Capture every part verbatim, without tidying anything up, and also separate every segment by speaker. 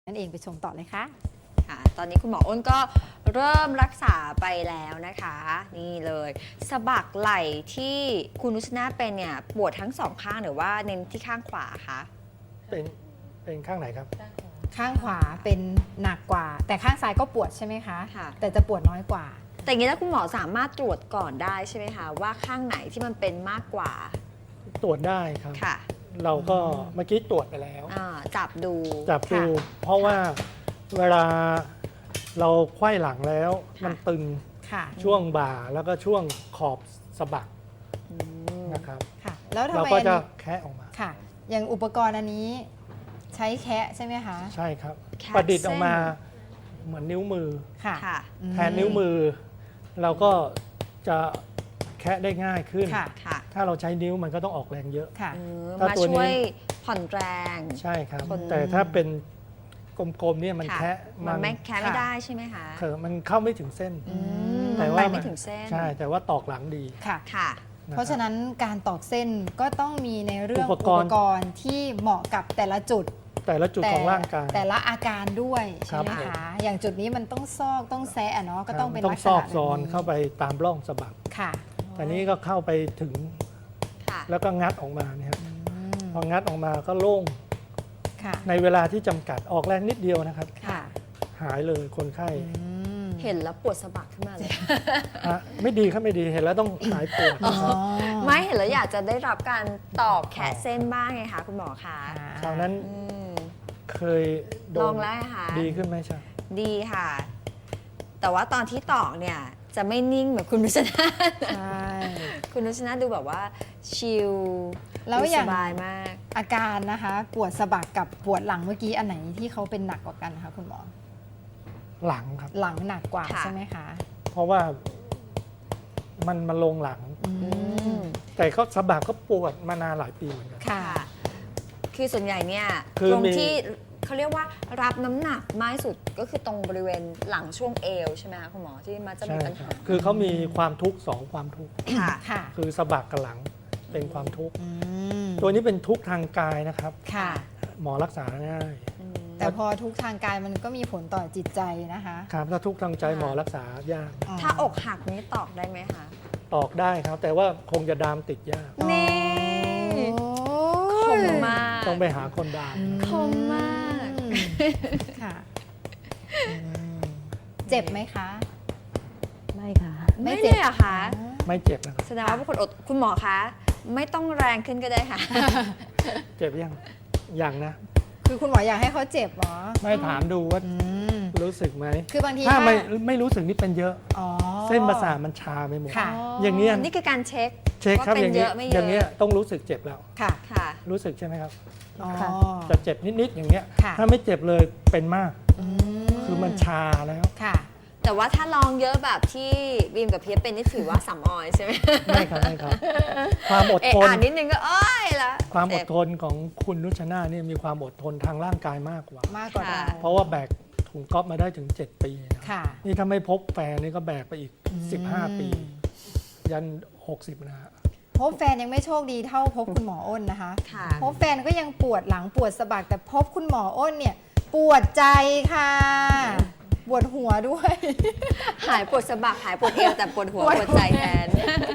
Speaker 1: นั่นเองไปชมต่อเลยค่ะ
Speaker 2: ค่ะตอนนี้คุณหมออ้นก็เริ่มรักษาไปแล้วนะคะนี่เลยสะบักไหล่ที่คุณนุชนาเป็นเนี่ยปวดทั้งสองข้างหรือว่าเน้นที่ข้างขวาคะ
Speaker 3: เป็นเป็นข้างไหนครับ
Speaker 1: ข้างขวาเป็นหนักกว่า แต่ข้างซ้ายก็ปวดใช่ไหมคะ
Speaker 2: ค่ะ
Speaker 1: แต่จะปวดน้อยกว่า
Speaker 2: แต่อย่างนี้แล้วคุณหมอสามารถตรวจก่อนได้ใช่ไหมคะว่าข้างไหนที่มันเป็นมากกว่า
Speaker 3: ตรวจได้ครับ
Speaker 2: ค่ะ
Speaker 3: เราก็เมื่อกี้ตรวจไปแล้ว
Speaker 2: อ่าจับดู
Speaker 3: จับดู
Speaker 2: ค่ะ
Speaker 3: เพราะว่าเวลาเราไขว้หลังแล้วมันตึง
Speaker 1: ค่ะ
Speaker 3: ช่วงบ่าแล้วก็ช่วงขอบสะบัก
Speaker 2: อืม
Speaker 3: นะครับ
Speaker 1: ค่ะ แล้วทำ
Speaker 3: เรา
Speaker 1: ไม
Speaker 3: ก็
Speaker 1: อัน
Speaker 3: จะ
Speaker 1: นี้
Speaker 3: แคะออกมา
Speaker 1: ค่ะ อย่างอุปกรณ์อันนี้ใช้แคะใช่ไหมคะ
Speaker 3: ใช่ครับ
Speaker 2: แคะ
Speaker 3: ประดิษฐ์ออกมา
Speaker 2: เส้
Speaker 3: เหมือนนิ้วมือ
Speaker 1: ค่ะ
Speaker 2: ค่ะ
Speaker 3: แทนนิ้วมือ เราก็จะแคะได้ง่ายขึ้น
Speaker 1: ค่ะ
Speaker 2: ค่ะ
Speaker 3: ถ้าเราใช้นิ้วมันก็ต้องออกแรงเยอะ
Speaker 1: ค่ะ
Speaker 2: เออ
Speaker 3: ถ้า
Speaker 2: มา
Speaker 3: ตัวนี้
Speaker 2: ช่วยผ่อนแรง
Speaker 3: ใช่ครับ
Speaker 2: คน
Speaker 3: แต่ถ้าเป็นกลมๆเนี่ยมัน
Speaker 2: ค่ะ
Speaker 3: แคะ
Speaker 2: มันไม่แค่ไม่
Speaker 1: ค่ะ
Speaker 2: ได้ใช่ไหมคะ
Speaker 3: เถอะมันเข้าไม่ถึงเส้น
Speaker 2: อืม
Speaker 3: แต่
Speaker 2: มัน
Speaker 3: ว่า
Speaker 2: ไปไม่ถึงเส้น
Speaker 3: ใช่แต่ว่าตอกหลังดี
Speaker 1: ค่ะ
Speaker 2: ค่ะ
Speaker 3: คบ
Speaker 1: เพราะฉะนั้นการตอกเส้นก็ต้องมีในเรื่อง
Speaker 3: อุ
Speaker 1: อุ
Speaker 3: ป
Speaker 1: ป
Speaker 3: กรณ์
Speaker 1: กรณ์ที่เหมาะกับแต่ละจุด
Speaker 3: แต่ละจุด
Speaker 1: แต่
Speaker 3: ของร่างกาย
Speaker 1: แต่ละอาการด้วย
Speaker 3: ครั
Speaker 1: ใช่
Speaker 3: บ
Speaker 1: ไหมคะ อย่างจุดนี้มันต้องซอกต้องแซะอะเนาะก็ต้องเป็น
Speaker 3: ต้อ
Speaker 1: ลั
Speaker 3: ง
Speaker 1: กษ
Speaker 3: ซอ
Speaker 1: ณะ
Speaker 3: กซอน
Speaker 1: แบบ
Speaker 3: เข้าไปตามร่องสะบัก
Speaker 1: ค่ะ
Speaker 3: แต่นี้ก็เข้าไปถึง
Speaker 2: ค่ะ
Speaker 3: แล้วก็งัดออกมาเนี่ยครับ
Speaker 1: อืม
Speaker 3: พองัดออกมาก็โล่ง
Speaker 1: ค่ะ
Speaker 3: ในเวลาที่จำกัดออกแรงนิดเดียวนะครับ
Speaker 1: ค่ะ
Speaker 3: หายเลยคนไข้
Speaker 1: อืม
Speaker 2: เห็นแล้วปวดสะบักขึ้นมาเลย
Speaker 3: ฮะไม่ดีครับไม่ดีเห็นแล้วต้องหายปวด
Speaker 1: อ๋อ
Speaker 2: ไม่เห็นแล้วอยากจะได้รับการตอกแขะเส้นบ้างไงคะคุณหมอคะ
Speaker 3: คราวนั้น
Speaker 2: อืม
Speaker 3: เคยโด
Speaker 2: ลอน งแล้วค่ะ
Speaker 3: ดีขึ้นไหมใช่
Speaker 2: ดีค่ะ แต่ว่าตอนที่ตอกเนี่ยจะไม่นิ่งเหมือนคุณนุชนา
Speaker 1: ใช่
Speaker 2: คุณนุชนาดูแบบว่าชิล
Speaker 1: แล้วอย่าง
Speaker 2: สบายมาก
Speaker 1: อาการนะคะ ปวดสะบักกับปวดหลังเมื่อกี้อันไหนที่เขาเป็นหนักกว่ากันคะคุณหมอ
Speaker 3: หลังครับ
Speaker 1: หลังหนักกว่า
Speaker 2: ค่ะ
Speaker 1: ใช่ไหมคะ
Speaker 3: เพราะว่ามันมาลงหลัง
Speaker 1: อื
Speaker 2: อื
Speaker 1: ม
Speaker 2: ม
Speaker 3: แต่เขาสะบักก็ปวดมานานหลายปีเหมือนกัน
Speaker 1: ค่ะ
Speaker 2: ค่ะ คือส่วนใหญ่เนี่ย
Speaker 3: คือ
Speaker 2: ตรง
Speaker 3: มี
Speaker 2: ที่เขาเรียกว่ารับน้ำหนักมากที่สุดก็คือตรงบริเวณหลังช่วงเอวใช่ไหมคะคุณหมอที่มันจะมี
Speaker 3: ใช่
Speaker 2: ปัญ
Speaker 3: ครั
Speaker 2: หา
Speaker 3: บคือเขามีความทุกข์สองความทุกข์
Speaker 2: ค่ะ
Speaker 1: ค่ะ
Speaker 3: คือสะบักกับหลังเป็นความทุกข์
Speaker 1: อืม
Speaker 3: ตัวนี้เป็นทุกข์ทางกายนะครับ
Speaker 1: ค่ะ
Speaker 3: หมอรักษาง่าย
Speaker 2: อืม
Speaker 1: แต่พอทุกทางกายมันก็มีผลต่อจิตใจนะคะ
Speaker 3: ครับถ้าทุกข์ทางใจ
Speaker 2: ค่ะ
Speaker 3: หมอรักษายาก
Speaker 2: ถ้าอกหักนี้ตอกได้ไหมคะ
Speaker 3: ตอกได้ครับ แต่ว่าคงจะดามติดยาก
Speaker 2: นี่ คมมาก
Speaker 3: ต้องไปหาคนดาม
Speaker 2: คมมาก
Speaker 1: ค่ะอืมเจ็บไหมคะ
Speaker 4: ไม่ค่ะ
Speaker 1: ไม่
Speaker 2: ไม่
Speaker 1: เจ็
Speaker 2: เจ็
Speaker 1: บ
Speaker 2: บอะคะ
Speaker 3: ไม่เจ็บนะครับ
Speaker 2: แสดงว่าเป็นคนอดคุณหมอคะ ไม่ต้องแรงขึ้นก็ได้ค่ะ
Speaker 3: เจ็บยังยังนะ
Speaker 1: คือคุณหมออยากให้เขาเจ็บเหรอ
Speaker 3: ไม่ถามดูว่า
Speaker 1: อืม
Speaker 3: รู้สึกไหม
Speaker 1: คือบางที
Speaker 3: ถ้าไม่
Speaker 1: ถ้า
Speaker 3: ไม่รู้สึกนี่เป็นเยอะ
Speaker 1: อ๋อ
Speaker 3: เส้นประสาทมันชาไปหมด
Speaker 1: ค่ะ
Speaker 3: อย่างเงี้ย
Speaker 2: นี่คือการเช็ค
Speaker 3: เช็คครับ
Speaker 2: ว่า
Speaker 3: อ
Speaker 2: เป็น
Speaker 3: ย่าง
Speaker 2: เย
Speaker 3: นี้
Speaker 2: อะไม่เย
Speaker 3: อย่างเงี้ย
Speaker 2: อะ
Speaker 3: ต้องรู้สึกเจ็บแล้ว
Speaker 1: ค่ะ
Speaker 2: ค่ะ
Speaker 3: รู้สึกใช่ไหมครับ
Speaker 1: อ๋อ
Speaker 4: ค่ะ
Speaker 3: จะเจ็บนิดๆอย่างเงี้ย
Speaker 1: ค่ะ
Speaker 3: ถ้าไม่เจ็บเลยเป็นมาก
Speaker 1: อื
Speaker 3: คือมันชาแล้ว
Speaker 1: ค่ะ
Speaker 2: แต่ว่าถ้าลองเยอะแบบที่บีมกับเพียบเป็นนี่ถือว่าสำออยใช่ไหม
Speaker 3: ไม่ครับไม่ครับ ความอด
Speaker 2: เอะ
Speaker 3: ทน
Speaker 2: อ่านนิดนึงก็เอ้ยละ
Speaker 3: ความอด
Speaker 2: เจ็บ
Speaker 3: ทนของคุณนุชนาเนี่ยมีความอดทนทางร่างกายมากกว่า
Speaker 1: มากกว่า
Speaker 2: ค่ะ
Speaker 1: เรา
Speaker 3: เพราะว่าแบกถุงก๊อฟมาได้ถึง เจ็ด ปีนะ
Speaker 1: ค่ะ
Speaker 3: นี่ถ้าไม่พบแฟนนี่ก็แบกไปอีก สิบห้า ปี
Speaker 1: อืม
Speaker 3: ยัน หกสิบ นะฮะ
Speaker 1: พบแฟนยังไม่โชคดีเท่าพบคุณหมออ้นนะคะ
Speaker 2: ค่ะ
Speaker 1: พบแฟนก็ยังปวดหลังปวดสะบักแต่พบคุณหมออ้นเนี่ย ปวดใจค่ะ ปวดหัวด้วย
Speaker 2: หายปวดสะบักหายปวดเอวแต่ปวดหัว
Speaker 1: ปวด
Speaker 2: ปวดใจแทน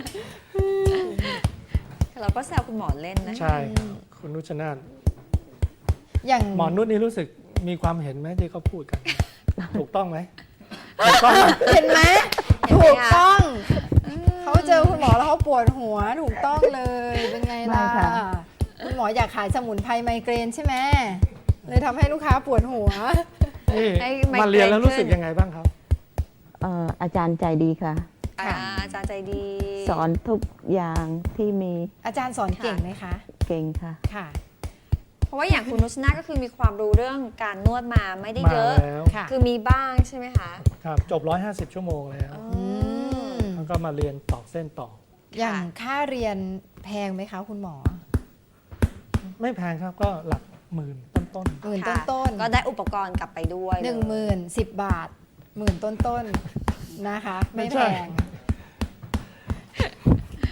Speaker 2: เราก็แซวคุณหมอเล่นนะ
Speaker 3: ใช่ครับคุณนุชนาถ
Speaker 1: อย่าง
Speaker 3: หมอนุชนี่รู้สึกมีความเห็นไหมที่เขาพูดกัน ถูกต้องไหมถูกต้องไหม
Speaker 1: เห็นไหม
Speaker 2: เห็นไหม
Speaker 1: ถูก
Speaker 2: คะ
Speaker 1: ต้อง เขาเจอคุณหมอแล้วเขาปวดหัวถูกต้องเลย เป็นไงล่ะ
Speaker 4: ไม่ค่ะ
Speaker 1: คุณหมออยากขายสมุนไพรไมเกรนใช่ไหมเลยทำให้ลูกค้าปวดหัว
Speaker 3: นี่
Speaker 2: ให้ไมเกรน
Speaker 3: มาเรียนแล้วรู้สึก
Speaker 2: ขึ้น
Speaker 3: ยังไงบ้างครับ
Speaker 4: เอ่ออาจารย์ใจดีค่ะ
Speaker 2: อ่าอาจารย์ใจดี
Speaker 4: สอนทุกอย่างที่มี
Speaker 1: อาจารย์สอนเก่งไหมคะ
Speaker 4: เก่งค่ะ
Speaker 1: ค่ะ
Speaker 2: เพราะว่าอย่างคุณนุชนาก็คือมีความรู้เรื่องการนวดมาไม่ได้
Speaker 3: มา
Speaker 2: เยอะ
Speaker 3: แล้ว
Speaker 1: ค่ะ
Speaker 2: คือมีบ้างใช่ไหมคะ
Speaker 3: ครับจบ หนึ่งร้อยห้าสิบ ชั่วโมงแล้ว
Speaker 1: อืม
Speaker 3: แล้วก็มาเรียนต่อเส้นต่อ
Speaker 1: อย่างค่าเรียนแพงไหมคะคุณหมอ
Speaker 3: ไม่แพงครับก็หลักหมื่นต้น
Speaker 1: หมื่น
Speaker 2: ค่ะ
Speaker 1: ต้นๆ
Speaker 2: ก็ได้อุปกรณ์กลับไปด้วย
Speaker 1: หนึ่งหมื่นสิบบาทหมื่นต้นต้นๆนะคะ ไม่แพง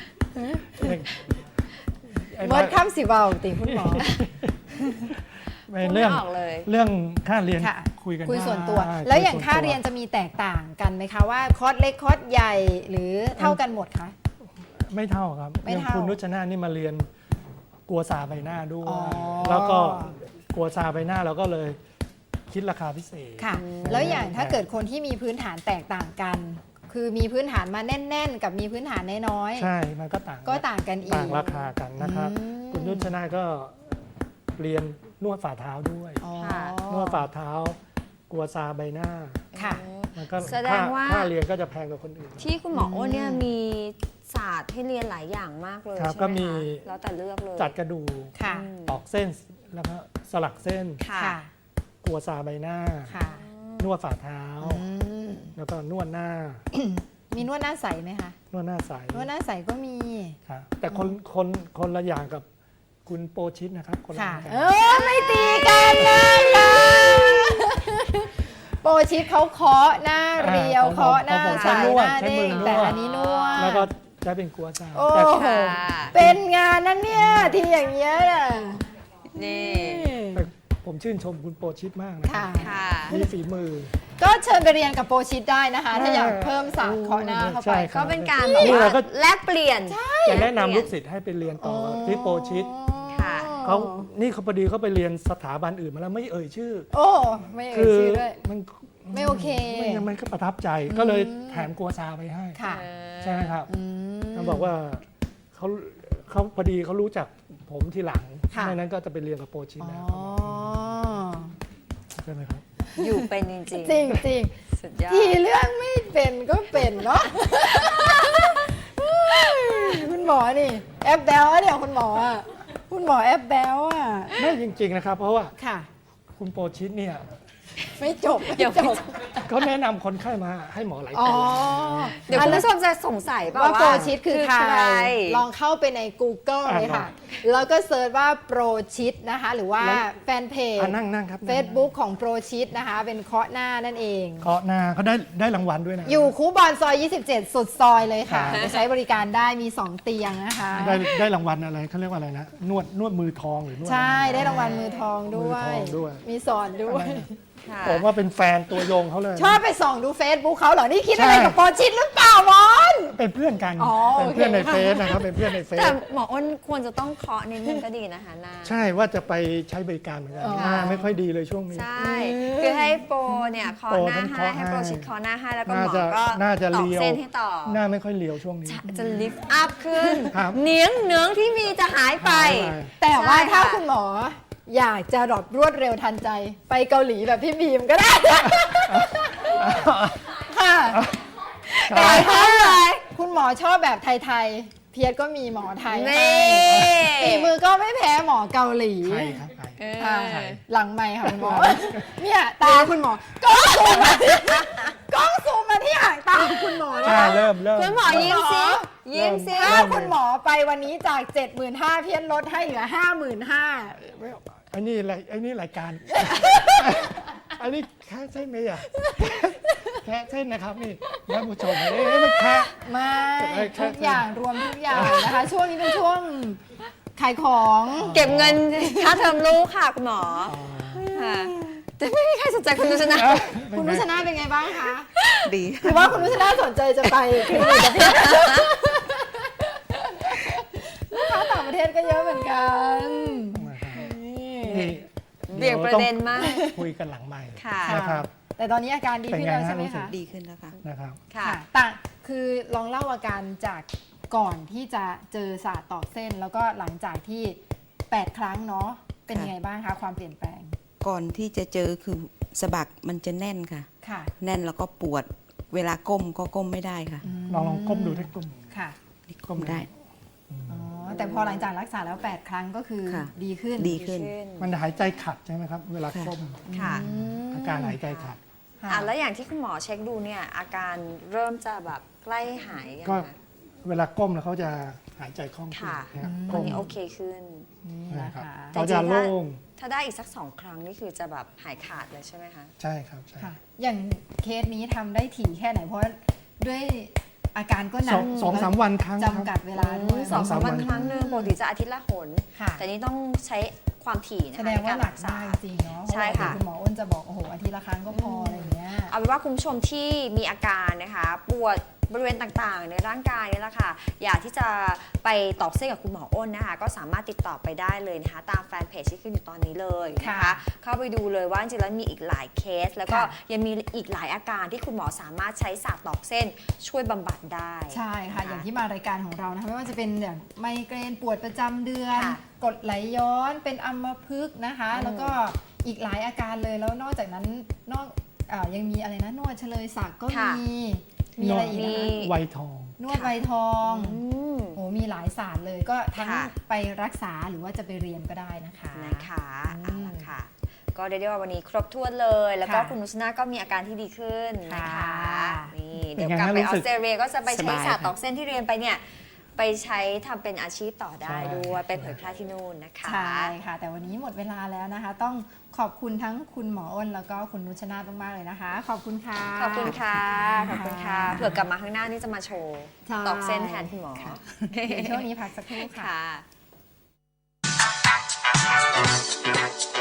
Speaker 3: ๆไอ้
Speaker 1: ง
Speaker 3: น้อ
Speaker 1: ด
Speaker 3: ย
Speaker 1: ข้ามสิเบาติคุณหมอ
Speaker 3: ไม่
Speaker 2: พูด
Speaker 3: เรื่อง
Speaker 2: ไม่ออกเลย
Speaker 3: เรื่องค่าเรียน
Speaker 1: ค่ะ
Speaker 3: คุยกัน
Speaker 1: คุย
Speaker 3: ได้
Speaker 1: ส่วนตัว
Speaker 3: คุ
Speaker 1: แล้วอย่าง
Speaker 3: ส่น
Speaker 1: ค่า
Speaker 3: ตัว
Speaker 1: เรียนจะมีแตกต่างกันไหมคะว่าคอร์สเล็กคอร์สใหญ่หรือเท่ากันหมดคะ
Speaker 3: ไม่เท่าครับ
Speaker 1: ไม่
Speaker 3: อย่าง
Speaker 1: เท่า
Speaker 3: คุณนุชนาธนี่มาเรียนกัวซาใบหน้าด้วย
Speaker 1: อ๋อ
Speaker 3: แล้วก็กัวซาใบหน้าเราก็เลยคิดราคาพิเศษ
Speaker 1: ค่ะ แล้วอย่างถ้าเกิดคนที่มีพื้นฐานแตกต่างกัน คือมีพื้นฐานมาแน่น ๆ กับมีพื้นฐานน้อย
Speaker 3: ใช่มันก็ต่าง
Speaker 1: ๆก็ต่างกันอีก
Speaker 3: ต่างราคากันนะครับ
Speaker 1: อืม
Speaker 3: คุณนุชนาธก็เรียนนวดฝ่าเท้าด้วย
Speaker 1: อ๋อ
Speaker 2: ค่ะ
Speaker 3: นวดฝ่าเท้า กัวซาใบหน้า
Speaker 1: ค่ะ
Speaker 3: มันก็
Speaker 2: แสดงว่า
Speaker 3: ค่าเรียนก็จะแพงกว่าคนอื่น
Speaker 2: ที่คุณหมอโอ้นเนี่ย
Speaker 1: อืม
Speaker 2: มีศาสตร์ให้เรียนหลายอย่างมากเลย
Speaker 3: ครับ
Speaker 2: ใช่ไหม
Speaker 3: ก็มี
Speaker 2: คะแล้วแต่เลือกเลย
Speaker 3: จัดกระดูก
Speaker 1: ค่ะ
Speaker 2: อืม
Speaker 3: ตอกเส้นแล้วก็สลักเส้น
Speaker 2: ค่ะ
Speaker 1: ค่ะ
Speaker 3: กัวซาใบหน้า
Speaker 1: ค่ะ
Speaker 3: นวดฝ่าเท้า
Speaker 1: อืม
Speaker 3: แล้วก็นวดหน้า
Speaker 1: มีนวดหน้าใสไหมคะ
Speaker 3: นวดหน้าใส
Speaker 1: นวดหน้าใสก็มี
Speaker 3: ครับแต่คนคนคนละอย่างกับคุณโปชิตนะครับคนละอ
Speaker 1: ค่ะ
Speaker 3: ย่างกัน
Speaker 1: เออไม่ตีกันนะคะโปรชิปเขาเคาะหน้าเรียว
Speaker 3: อ่า
Speaker 1: เคาะหน้า
Speaker 3: ของผม
Speaker 1: ใส
Speaker 3: ใช้นว
Speaker 1: ห
Speaker 3: ด
Speaker 1: น้า
Speaker 3: ใช้
Speaker 1: เด้
Speaker 3: มื
Speaker 1: ง
Speaker 3: อนวด
Speaker 1: แต่อันนี้นวด
Speaker 3: แล้วก็จะเป็นกัวซา
Speaker 1: โอ้
Speaker 3: แต่
Speaker 1: โห
Speaker 2: ค่ะ
Speaker 1: เป็นงานนั้นเนี่ยที่อย่างเงี้ยน่ะ
Speaker 2: นี่
Speaker 3: แต่ผมชื่นชมคุณโปชิตมากนะ
Speaker 1: ค่ะ
Speaker 2: ค่ะ
Speaker 3: มีฝีมือ
Speaker 1: ก็เชิญไปเรียนกับโปรชิปได้นะคะ ถ้าอยากเพิ่มศาสตร์เคาะหน้าเข้า
Speaker 3: ใช่
Speaker 1: ไป
Speaker 3: ครั
Speaker 2: ก็
Speaker 3: บ
Speaker 2: เป็นการ
Speaker 3: นี่
Speaker 2: แบบว่า
Speaker 3: เราก็
Speaker 2: แลกเปลี่ยน
Speaker 3: จะแนะนำลูกศิษย์ให้ไปเรียนต่อที่โปชิต
Speaker 2: ค่ะ
Speaker 3: เขานี่เขาพอดีเขาไปเรียนสถาบันอื่นมาแล้วไม่เอ่ยชื่อ
Speaker 1: โอ้ไม่เอ่
Speaker 3: คื
Speaker 1: ย
Speaker 3: อ
Speaker 1: ชื่อด้วย
Speaker 3: มัน
Speaker 1: ไม่โอเค
Speaker 3: ไม่งั้นมันก็ประทับใจก็เลยแถมกัวซาไปให้
Speaker 1: ค่ะ
Speaker 3: ใช่ไหมครับ
Speaker 1: อืม
Speaker 3: เขาบอกว่าเขาเขาพอดีเขารู้จักผมทีหลัง
Speaker 1: ค่ะ
Speaker 3: ไม่นั้นก็จะไปเรียนกับโปชิต
Speaker 1: อ๋อ
Speaker 3: แล้วใช่ไหมครับ
Speaker 2: อยู่เป็นจริง
Speaker 1: จริงจริง
Speaker 2: ๆสุดยอด
Speaker 1: ทีเรื่องไม่เป็นก็เป็นเนาะ คุณหมอนี่ แอปแบลอะเนี่ยคุณหมออะคุณหมอแอปแบลอะ
Speaker 3: ไม่จริง ๆ นะครับ เพราะว่า
Speaker 1: ค่ะ
Speaker 3: คุณโปชิตเนี่ย
Speaker 1: ไม่จบ
Speaker 2: เดี๋ยว
Speaker 1: ไม่จบ
Speaker 3: เขาแนะนำคนไข้มาให้หมอไหล
Speaker 1: อ๋อ
Speaker 3: ตา
Speaker 2: เดี๋ยว
Speaker 1: อั
Speaker 2: คุ
Speaker 1: น
Speaker 2: ณ
Speaker 1: นั้น
Speaker 2: ผู้ชมจะสงสัยเปล่า
Speaker 1: ว่า
Speaker 2: ว่า
Speaker 1: โปรชิดคือใคร
Speaker 2: ใคร
Speaker 1: ลองเข้าไปใน Google
Speaker 3: อ่า
Speaker 1: เลยค่ะ แล้วก็เซิร์ชว่าโปรชิดนะคะ หรือว่า
Speaker 3: แล้ว
Speaker 1: แฟนเพจ
Speaker 3: อ่ะนั่งนั่งครับ
Speaker 1: Facebook ของโปรชิดนะคะ เป็นเคาะหน้านั่นเอง
Speaker 3: เคาะหน้าเขาได้ได้รางวัลด้วยนะ
Speaker 1: อยู่คูบอนซอย ยี่สิบเจ็ด สุดซอยเลยค่ะ
Speaker 3: ครับ
Speaker 1: ไปใช้บริการได้มี สอง เตียงนะคะ
Speaker 3: ได้ได้รางวัลอะไรเขาเรียกว่าอะไรนะนวดนวดมือทองหรือนวด
Speaker 1: ใช่ ได้รางวัลมือทองด้วย
Speaker 3: มือทองด้วย
Speaker 1: มีสอนด้วย
Speaker 2: ค่ะ
Speaker 3: ผมว่าเป็นแฟนตัวยงเขาเลย
Speaker 1: ชอบไปส่องดู Facebook เขาเหรอ นี่คิดอะไร
Speaker 3: ใช่
Speaker 1: กับโปรชิดหรือเปล่ามอน
Speaker 3: เป็นเพื่อนกัน
Speaker 1: อ๋อ
Speaker 3: เป็นเพื่อนใน
Speaker 1: โอเค
Speaker 3: เฟซนะครับเป็นเพื่อนในเฟซ
Speaker 2: แต่หมออ้นควรจะต้องเคาะนิดนึงก็ดีนะคะหน้า
Speaker 3: ใช่ว่าจะไปใช้บริการเหมือนกันหน้าไม่ค่อยดีเลยช่วงนี้
Speaker 2: ใช่ คือให้โปรเนี่ยเคาะ
Speaker 3: โปร
Speaker 2: หน้า
Speaker 3: ทั้ง
Speaker 2: ให้
Speaker 3: เคาะ
Speaker 2: ให้โปร
Speaker 3: ให้
Speaker 2: ชิดเคาะหน้าให้แล้วก็ห
Speaker 3: น่าม
Speaker 2: อ
Speaker 3: จะ
Speaker 2: ก็
Speaker 3: น่าจะ
Speaker 2: ตอก
Speaker 3: เลียว
Speaker 2: เส้นให้ต่อ
Speaker 3: หน้าไม่ค่อยเลียวช่วงนี้
Speaker 2: จะลิฟต์อัพขึ้น
Speaker 3: ครับ
Speaker 2: เนื้องเนื้องที่มีจะหายไป
Speaker 3: หายไป
Speaker 1: แต่ว่า
Speaker 2: ใช่
Speaker 1: ถ้า
Speaker 2: ค่ะ
Speaker 1: คุณหมออยากจะรอดรวดเร็วทันใจ ไปเกาหลีแบบพี่บีมก็ได้ ค่ะแต่ถ้าคุณหมอชอบแบบไทยๆ เพียรก็มีหมอไทย
Speaker 2: นี่
Speaker 1: ฝีมือก็ไม่แพ้หมอเกาหลี
Speaker 3: ใช่ครับใช่
Speaker 2: เออ
Speaker 1: ค่ะหลังไม่ค่ะคุณหมอ เนี่ยตาคุณหมอกล้องซูมมาที่กล้องซูมมาที่หางตาคุณหมอนะ
Speaker 3: ใช่
Speaker 1: คะ
Speaker 3: เริ่มเริ่ม
Speaker 2: คุณหมอยิ้มสิยิ้มสิ
Speaker 1: ถ้าคุณหมอไปวันนี้จาก เจ็ดหมื่นห้าพัน เพียรลดให้เหลือ ห้าหมื่นห้าพัน
Speaker 3: ไม่อันนี้อะไรอันนี้รายการ อันนี้แค่เส้นไหมอ่ะ แค่เส้นนะครับนี่ท่านผู้ชมเอ้ยไม่แค่
Speaker 1: ไม่
Speaker 3: เอ้ยแค่
Speaker 1: ทุกอย่างรวมทุกอย่างนะคะ ช่วงนี้เป็นช่วงขายของ
Speaker 2: เก็บเงินค่าเทอมลูกค่ะคุณหมอค่ะแต่ไม่มีใครสนใจคุณนุชนะ
Speaker 1: คุณนุชนาเป็นไงบ้างคะ
Speaker 4: ดี
Speaker 1: หรือว่าคุณนุชนาสนใจจะไปคลินิกกับพี่ลูกค้าต่างประเทศก็เยอะเหมือนกัน
Speaker 3: นี่
Speaker 2: เบี่ยงประเด็นมาก
Speaker 3: คุยกันหลังใหม่
Speaker 2: ค่ะ
Speaker 3: นะครับ
Speaker 1: แต่ตอนนี้อาการดีขึ้นแล้ว
Speaker 3: เป็นไงฮะ
Speaker 1: ใช่ไหม
Speaker 3: รู้สึก
Speaker 1: คะ
Speaker 4: ดีขึ้นแล้วค่ะ
Speaker 3: นะครับ
Speaker 2: ค่ะ
Speaker 1: ต่างคือลองเล่าอาการจากก่อนที่จะเจอศาสตร์ตอกเส้น แล้วก็หลังจากที่แปดครั้งเนาะเป็นยังไงบ้างคะความเปลี่ยนแปลง
Speaker 4: ก่อนที่จะเจอคือสะบักมันจะแน่นค่ะ
Speaker 1: ค่ะ
Speaker 4: แน่นแล้วก็ปวด เวลาก้มก็ก้มไม่ได้ค่ะ
Speaker 3: ลองลองก้มดูที่ก้ม
Speaker 1: ค่ะ
Speaker 4: นี่ก้มได้
Speaker 1: อ๋อแต่พอหลังจากรักษาแล้วแปดครั้งก็คือ
Speaker 4: ค่ะ
Speaker 1: ดีขึ้น
Speaker 4: ดีขึ้น
Speaker 3: มันหายใจขัดใช่ไหมครับ เวลาก้ม
Speaker 2: ค่ะ
Speaker 1: อืม
Speaker 3: อาการหายใจขัด
Speaker 1: ค่ะ
Speaker 2: อ่ะแล้วอย่างที่คุณหมอเช็คดูเนี่ยอาการเริ่มจะแบบใกล้หายยัง
Speaker 3: ก็
Speaker 2: คะ
Speaker 3: เวลาก้มแล้วเขาจะหายใจคล่องขึ้น
Speaker 2: ค่ะ
Speaker 3: นะครับ
Speaker 2: ตอ
Speaker 3: ก้
Speaker 2: น
Speaker 3: ม
Speaker 2: นี้โอเคขึ้น
Speaker 1: นี่
Speaker 3: นะ
Speaker 1: นะ
Speaker 3: ครั
Speaker 1: คะ
Speaker 3: บเขาจะโล่ง
Speaker 2: ถ้าได้อีกสักสองครั้งนี่คือจะแบบหายขาดเลยใช่ไหมคะ
Speaker 3: ใช่ครับใช่
Speaker 1: ค่ะ อย่างเคสนี้ทำได้ถี่แค่ไหน เพราะด้วยอาการก็หนั
Speaker 3: สอก งสองสามวันครั้งครับ
Speaker 1: จำกัดเวลาด้วย
Speaker 2: สองสาม
Speaker 3: สองสามวั
Speaker 2: วัน
Speaker 3: น
Speaker 2: ครั้งหนึ่งปกติจะอาทิตย์ละหน
Speaker 1: ค่ะ
Speaker 2: แต่นี่ต้องใช้ความถี่นะ
Speaker 1: แส
Speaker 2: คะ
Speaker 1: ดง
Speaker 2: ใน
Speaker 1: ว่า
Speaker 2: การ
Speaker 1: หนั
Speaker 2: รั
Speaker 1: ก
Speaker 2: กษา
Speaker 1: มากจริงๆเนาะ
Speaker 2: ใช่ค่ะ
Speaker 1: เพราว่าเดี๋ยวคุณหมออ้นจะบอกโอ้โหอาทิตย์ละครั้งก็พออะไรอย่างเงี้ย
Speaker 2: เอาเป็นว่าคุณผู้ชมที่มีอาการนะคะปวดบริเวณต่างๆ ในร่างกายนี่แหละค่ะอยากที่จะไปตอกเส้นกับคุณหมออ้นนะคะก็สามารถติดต่อไปได้เลยนะคะตามแฟนเพจที่ขึ้นอยู่ตอนนี้เลยนะคะ
Speaker 1: ค่ะ
Speaker 2: เข้าไปดูเลยว่าจริงๆแล้วมีอีกหลายเคส แล้วก็
Speaker 1: ค่ะ
Speaker 2: ยังมีอีกหลายอาการที่คุณหมอสามารถใช้ศาสตร์ตอกเส้นช่วยบำบัดได้
Speaker 1: ใช่ค่ะ
Speaker 2: น
Speaker 1: อย่างที่มารายการของเรานะคะไม่ว่าจะเป็นอย่างไมเกรนปวดประจำเดือน
Speaker 2: ค่ะ
Speaker 1: กรดไหลย้อนเป็นอัมพฤกษ์นะคะ
Speaker 2: อืม
Speaker 1: แล้วก็อีกหลายอาการเลยแล้วนอกจากนั้นนอกเออยังมีอะไรนะนวดเฉลยศักดิ์ก็มีมีอะไรอีก
Speaker 2: มี
Speaker 1: นะคะ
Speaker 3: ไวทอง
Speaker 1: นวดใบทอง
Speaker 2: อืม
Speaker 1: โอ้มีหลายศาสตร์เลยก็ทั้ง
Speaker 2: ค่ะ
Speaker 1: ไปรักษาหรือว่าจะไปเรียนก็ได้นะคะ
Speaker 2: นะคะ
Speaker 1: อื
Speaker 2: เอา
Speaker 1: ม
Speaker 2: ละค่ะ ก็ได้ได้ว่าวันนี้ครบถ้วนเลย แล้วก็
Speaker 1: ค่ะ
Speaker 2: คุณนุชนาก็มีอาการที่ดีขึ้นนะคะ
Speaker 1: ค่ะ
Speaker 2: นี่
Speaker 3: เป็น
Speaker 2: เดี๋ยว
Speaker 3: ไง
Speaker 2: กลับ
Speaker 3: ฮะ
Speaker 2: ไป
Speaker 3: รู้
Speaker 2: ออ
Speaker 3: สึ
Speaker 2: ส
Speaker 3: ก
Speaker 2: เตรเลียก็จะไป
Speaker 3: ส
Speaker 2: ใช้
Speaker 3: บาย
Speaker 2: ศาสตร์ตอกเส้นที่เรียนไปเนี่ยไปใช้ทำเป็นอาชีพต่อได้
Speaker 3: ใช่
Speaker 2: ด้วยไปเผยแพร่ที่นู่นนะคะ
Speaker 1: ใช่ค่ะ แต่วันนี้หมดเวลาแล้วนะคะ ต้องขอบคุณทั้งคุณหมออ้นแล้วก็คุณนุชนาธมากๆเลยนะคะ ขอบคุณค่ะ
Speaker 2: ขอบคุณค่ะขอบคุณค่ะ
Speaker 1: ค่ะ
Speaker 2: เผื่อกลับมาข้างหน้านี่จะมาโชว์
Speaker 1: ใช่
Speaker 2: ตอกเส้นแทนคุณหมอ
Speaker 1: เดี๋ยวช่วงนี้พักสักครู่ค่ะ
Speaker 2: ค่ะ